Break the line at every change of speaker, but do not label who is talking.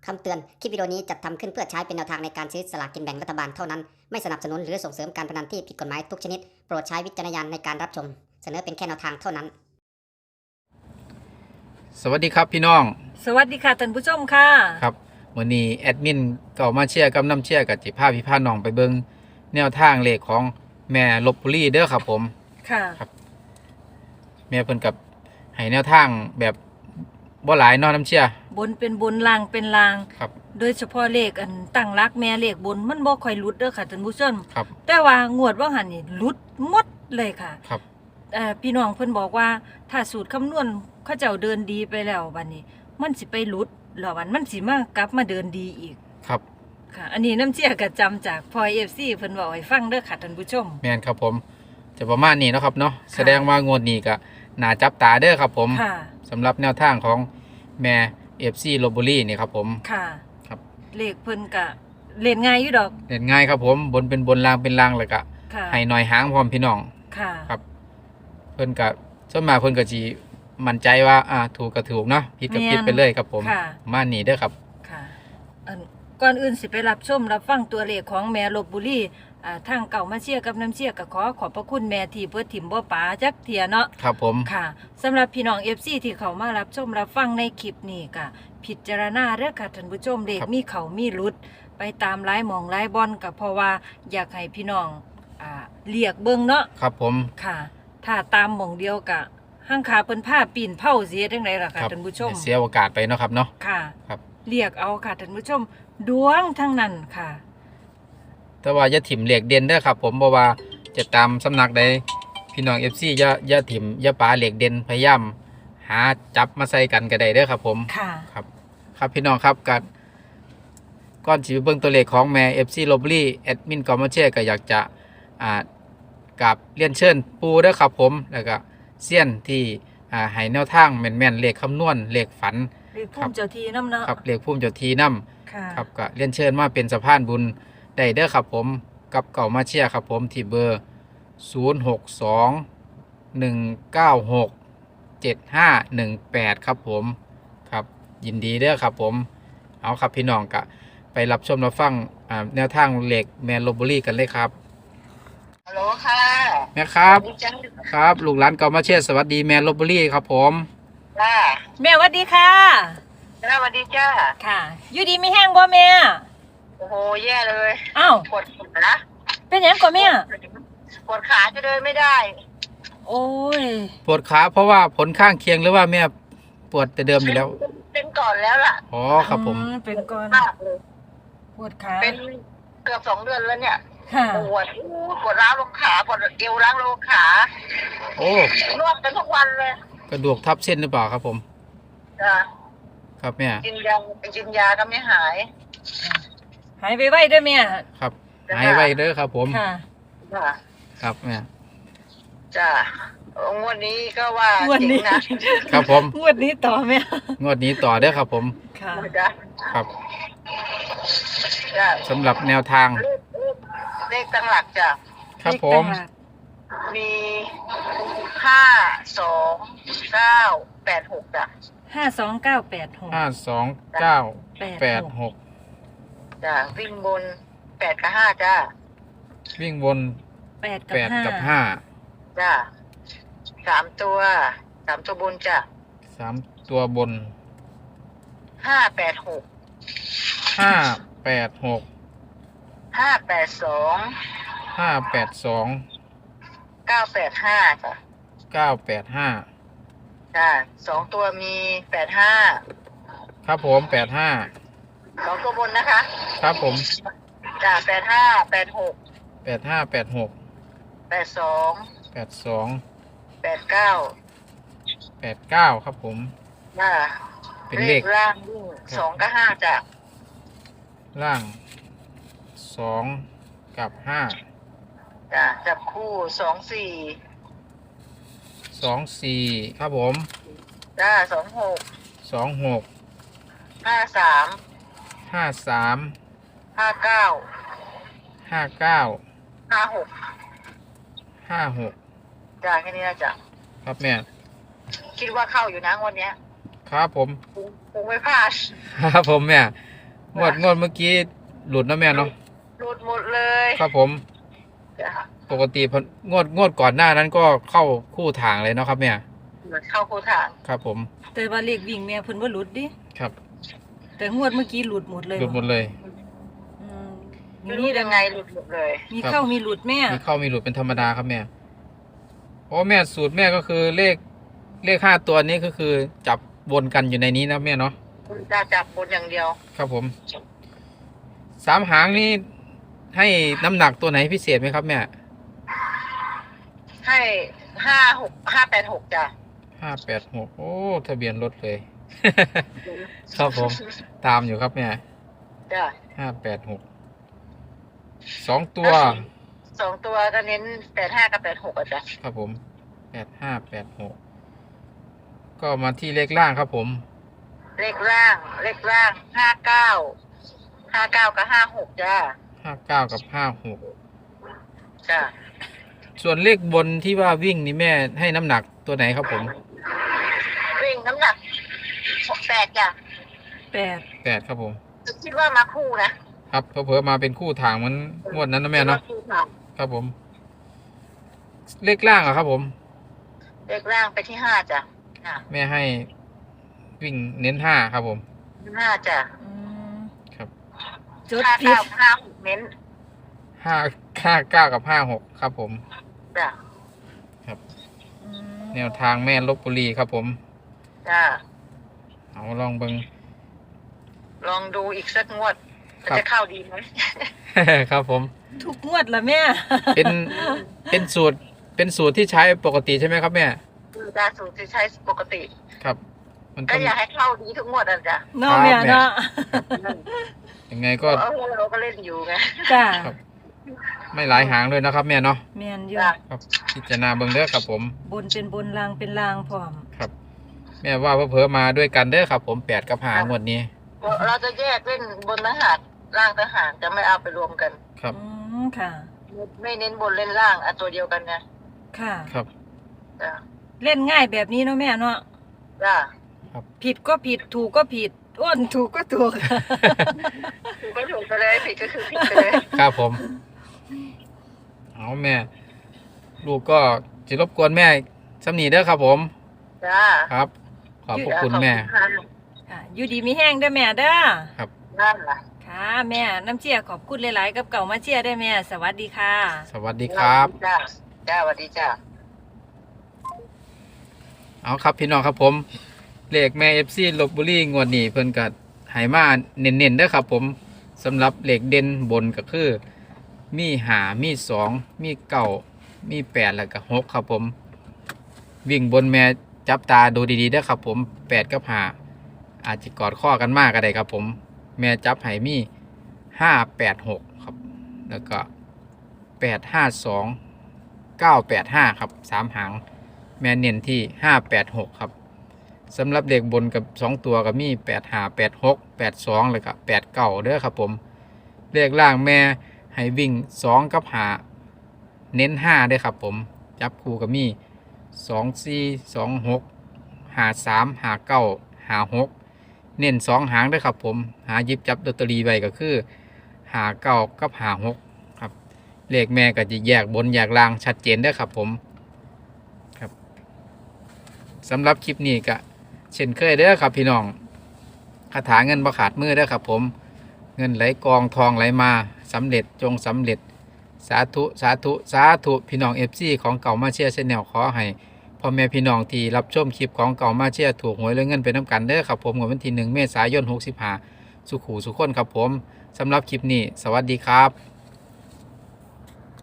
คำเตือน คลิปวิดีโอนี้จัดทำขึ้นเพื่อใช้เป็นแนวทางในการซื้อสลากกินแบ่งรัฐบาลเท่านั้น ไม่สนับสนุนหรือส่งเสริมการพนันที่ผิดกฎหมายทุกชนิด โปรดใช้วิจารณญาณในการรับชม เสนอเป็นแค่แนวทางเท่านั้น
สวัสดีครับพี่น้อง
สวัสดีค่ะท่านผู้ชมค่ะ
ครับวันนี้แอดมินเก่ามาเชียร์กับน้ำเชียร์กับจิพาพี่พาน้องไปเบิงแนวทางเลขของแม่ลพบุรีเด้อครับผม
ค่ะ
แม่เพิ่นกับให้แนวทางแบบบ่หลายเนาะน้ำเชียร์
บนเป็นบนลางเป็นลาง
ครับ
โดยเฉพาะเลขอันตั้งรักแม่เลขบนมันบ่ค่อยหลุดเด้อค่ะท่านผู้ชม
ครับ
แต่ว่างวดว่าหันนี่หลุดหมดเลยค่ะ
ครับ
พี่น้องเพิ่นบอกว่าถ้าสูตรคำนวณเขาเจ้าเดินดีไปแล้วบัดนี้ มันสิไปหลุดแล้วมันสิมากลับมาเดินดีอีก
ครับ
ค่ะ อันนี้น้ำเชี่ยก็จำจากพลอย FC เพิ่นบอกให้ฟังเด้อค่ะท่านผู้ชม
แม่นครับผมจะประมาณนี้เนาะครับเนาะแสดงว่างวดนี้ก็น่าจับตาเด้อครับผม
ค่ะ
สำหรับแนวทางของแม่ FC ลพบุรีนี่ครับผม
ค่ะ
ครับ
เลขเพิ่นก็เล่นง่ายอยู่ดอก
เล่นง่ายครับผมบนเป็นบนล่างเป็นล่างแล้วก็
ค่ะ
ให้หน่อยหางพร้อมพี่น้อง
ค่ะ
ครับ เพิ่นก็ส่วนมากเพิ่นก็สิมั่นใจว่าถูกก็ถูกเนาะผิดก็ผิดไปเลยครับผม
ค่ะ
มานี่เด้อครับ
ค่ะก่อนอื่นสิไปรับชมรับฟังตัวเลขของแม่ลพบุรีทางเก่ามาเชียร์กับน้ำเชียร์ก็ขอบพระคุณแม่ที่เพื่อถิ่มบ่ป๋าจักเทียเนาะ
ครับผม
ค่ะสำหรับพี่น้อง FC ที่เขามารับชมรับฟังในคลิปนี้ก็พิจารณาเด้อค่ะท่านผู้ชมเลขมีเขามีหลุด ไปตามหลายหมองหลายบอนก็เพราะว่าอยากให้พี่น้องเรียกเบิ่งเนาะ
ครับผม
ค่ะ ถ้าตามหมองเดียวก็ห้างขาเพิ่นผ้าปีนเผาเสียจังไดล่ะค่ะท่านผู้ชม
เสียโอกาสไปเนาะครับเนาะ
ค่ะ
ครับ
เรียกเอาค่ะท่านผู้ชมดวงทั้งนั้นค่ะ
แต่ว่าอย่าถิ่มเหล็กเด่นเด้อครับผมเพราะว่าจะตามสำนักใดพี่น้อง FC อย่าถิ่มอย่าปาเหล็กเด่นพยายามหาจับมาใส่กันก็ได้เด้อครับผม
ค่ะ
ครับครับพี่น้องครับก่อนสิไปเบิ่งตัวเลขของแม่ FC ลพบุรีแอดมินกอมาเช่ก็อยากจะกับเรียนเชิญปูเด้อครับผมแล้วก็เซียนที่ให้แนวทางแม่นๆเลขคำนวณเลขฝัน
เรียกภูมิเจ้าทีน้ำเนาะ
ครับเลขภูมิเจ้าทีนํ
ค่ะ
ครับก็เรียนเชิญมาเป็นสะพานบุญได้เด้อครับผมกับเก่ามาเชียร์ครับผมที่เบอร์ 062-196-7518 ครับผมครับยินดีเด้อครับผมเอาครับพี่น้องก็ไปรับชมรับฟังแนวทางเหล็กแมนลพบุรีกันเลยครับ
ฮัลโหลค่ะ
แม่ครับ
ดีจัง
ครับลูกหลานเก่ามาเชียร์สวัสดีแมนลพบุรีครับผม
จ้า
แม่หวัดดีค่ะ
สวัสดีจ้า
ค่ะ อยู่ดีไม่แห้งบ่แม่
โอ้โห แย่เลย
อ้าว
ปวดขา
เป็นหยังก่อนแม่
ปวดขาจะเดินไม่ได้
โอ้ย
ปวดขาเพราะว่าผลข้างเคียงหรือว่าแม่ปวดแต่เดิมอยู่แล้ว
เป็นก่อนแล้วล่ะ
อ๋อครับผม
เป็นก่อน
มากเลย
ปวดขา
เป็นเกือบ2 เดือนแล้วเนี่ย
ค่ะ
ปวดร้าวลงขาปวดเอวร้าวลงขา
โอ้
นวดกันทุกวันเลย
กระดูกทับเส้นหรือเปล่าครับผม
จ้า
ครับแม่
กินยาก็ไม่หาย
หายไปไว้ด้วยแม่
ครับหายไวเด้อครับผม
ค่ะ
จ้า
ครับแม่
จ้างวดนี้ก็ว่าง
วดนี้
จริงนะครับ
ผม
งวดนี้ต่อแม่
งวดนี้ต่อเด้อครับผม
ค่ะ
จ้า
ครับ
จ้า
สำหรับแนวทาง
เลขตั้งหลักจ้ะ
ครับผม
มี52986จ้ะ
52986
52986
จ้ะวิ่งบน8 กับ 5จ้ะ
วิ่งวน
8 กับ
8 กับ
5
จ้ะ3 ตัวบนจ้ะ
5 3 ตัวบน
586
586
582
582
985จ้ะ
985
จ้ะ2 ตัวมี85
ครับผม85
2 ตัวบนนะคะ
ครับผม
จ้ะ85 86
8586
82
82
89
89ครับผม
จ้ะ
เป็นเลข
ล่างวิ่ง2 กับ 5จ้ะ
ล่าง2 กับ 5
จ้ะจับคู่
24ครับผม
จ้ะ26
26
53
53
59
59
56
56
จ้ะแค่นี้นะจ้ะ
ครับแม่
คิดว่าเข้าอยู่นะงวันเนี้ย
ครับผม
คงไม่พลาด
ครับผมแม่งวดเมื่อกี้หลุดนะแม่เนาะ
หลุดหมดเลย
ครับผม
จ้ะ
ปกติงวดก่อนหน้านั้นก็เข้าคู่ทางเลยเนาะครับแม่
เข้าโคทาง
ครับผม
แต่ว่าเลขวิ่งแม่เพิ่นบ่หลุดดิ
ครับ
แต่งวดเมื่อกี้หลุดหมดเลย
หลุดหมดเลย
อืม
ไม่รู้ยังไงหลุดหมดเลย
มีเข้ามีหลุดแม่
มีเข้ามีหลุดเป็นธรรมดาครับแม่เพราะว่าแม่สูตรแม่ก็คือเลข5ตัวนี้ก็คือจับวนกันอยู่ในนี้นะแม่เนาะ
จะจับบนอย่างเดียว
ครับผม3 หางนี่ให้น้ำหนักตัวไหนพิเศษไหมครับแม่
ให้586จ้ะ
586โอ้ทะเบียนรถเลย ครับผม ตามอยู่ครับแม่
จ้ะ
586 2 ตัว
2 ตัวก็เน้น85กับ86อ่ะจ้ะ
ครับผม8586ก็มาที่เลขล่างครับผม
เลขล่าง59กับ56จ้ะ
59 กับ
จ้ะ
56ส่วนเลขบนที่ว่าวิ่งนี่แม่ให้น้ำหนักตัวไหนครับผม
วิ่งน้ำหนัก8จ้ะ
8
8ครับผม
คิดว่ามาคู่นะครับ
เผลอๆมาเป็นคู่ทางเหมันงวดนั้นนะแม่เนาะ
คู่ทาง
ครับผม เลขล่างอะครับผม
เลขล่างไปที่5จ้ะจ้ะ
แม่ให้วิ่งเน้น5ครับผม
5จ้ะ
อืม
ครับ
จดผิด
5956เน้น
59 กับ 56ครับผม
จ้ะ
อืม
แนวทางแม่ลพบุรีครับผม
จ้ะ
เอาลองเบิง
ลองดูอีกสักงวด
ครับ
จะเข้าดีไหม
ครับผม
ทุกงวดละแม่
เป็นสูตรที่ใช้ปกติใช่ไหมครับแม่
คือการสูตรที่ใช้ปกติ
ครับ มัน
ก็
ต้อง
อยากให้เข้าดีทุกงวดอ่ะจ้ะ
เนาะแม่เนาะ
ยังไงก็
เราก็เล่นอยู่ไง
จ้า
ครับ ไม่หลายหางเลยนะครับแม่เนาะ
แม่นอยู่
จ้ะ
ครับพิจารณาเบิ่งเด้อครับผม
บนเป็นบนลางเป็นลางพร้อม
ครับ แม่ว่าเผลอๆมาด้วยกันเด้อครับผม8 กับ5งวดนี้
เราจะแยกเล่นบนทหารล่างทหารจะไม่เอาไปรวมกัน
ครับ
อืมค่ะ
ไม่เน้นบนเล่นล่างอ่ะตัวเดียวกันไง
ค่ะ
ครับ
จ้ะ
เล่นง่ายแบบนี้เนาะแม่เนาะ
จ้ะ
ผิดก็ผิดถูกก็ผิดอ้วนถูกก็ถูก
ถูกก็ถูกไปเลยผิดก็คือผิดไปเลย
ครับผม เอาแม่ ลูกก็จะรบกวนแม่สำนีเด้อครับผม
จ้ะ
ครับ ขอบพระคุณแม่
ขอบคุณ
ค่ะอยู่ดีมีแห้งเด้อแม่เด้อ
ครับ
ค่ะนั่นล่ะ
ค่ะแม่น้ำเชี่ยขอบคุณหลายๆกับเก่ามาเชี่ยได้แม่สวัสดีค่ะ
สวัสดีครับ
จ้ะจ้ะสวัสดีจ้ะ
เอาครับพี่น้องครับผม เลขแม่ FC ลพบุรีงวดนี้เพิ่นก็ให้มาเน้นๆเด้อครับผมสำหรับเลขเด่นบนก็คือ มี5มี2มี9มี8แล้วก็6ครับผม วิ่งบนแม่จับตาดูดีๆเด้อครับผม8กับ5อาจจะกอดข้อกันมากก็ได้ครับผม แม่จับให้มี586ครับ แล้วก็852 985ครับ3หาง แม่เน้นที่586ครับสำหรับเด็กบนกับ2ตัวก็มี85 86 82แล้วก็89เด้อครับผมเลขล่างแม่ให้วิ่ง2กับ5เน้น5เด้อครับผมจับคู่ก็มี2 4 2 6 5 3 5 9 5 6เน้น2หางเด้อครับผมหาหยิบจับลอตเตอรี่ไว้ก็คือ5 9กับ5 6ครับเลขแม่ก็จะแยกบนแยกล่างชัดเจนเด้อครับผมสำหรับคลิปนี้ก็เช่นเคยเด้อครับพี่น้องคาถาเงินบ่ขาดมือเด้อครับผมเงินไหลกองทองไหลมาสำเร็จจงสำเร็จสาธุสาธุสาธุพี่น้อง FC ของเก่ามาเชียร์แนลขอให้พ่อแม่พี่น้องที่รับชมคลิปของเก่ามาเชียร์ถูกหวยและเงินไปน้ำกันเด้อครับผมวันที่1 เมษายน 65สุขูสุขคนครับผมสำหรับคลิปนี้สวัสดีครับ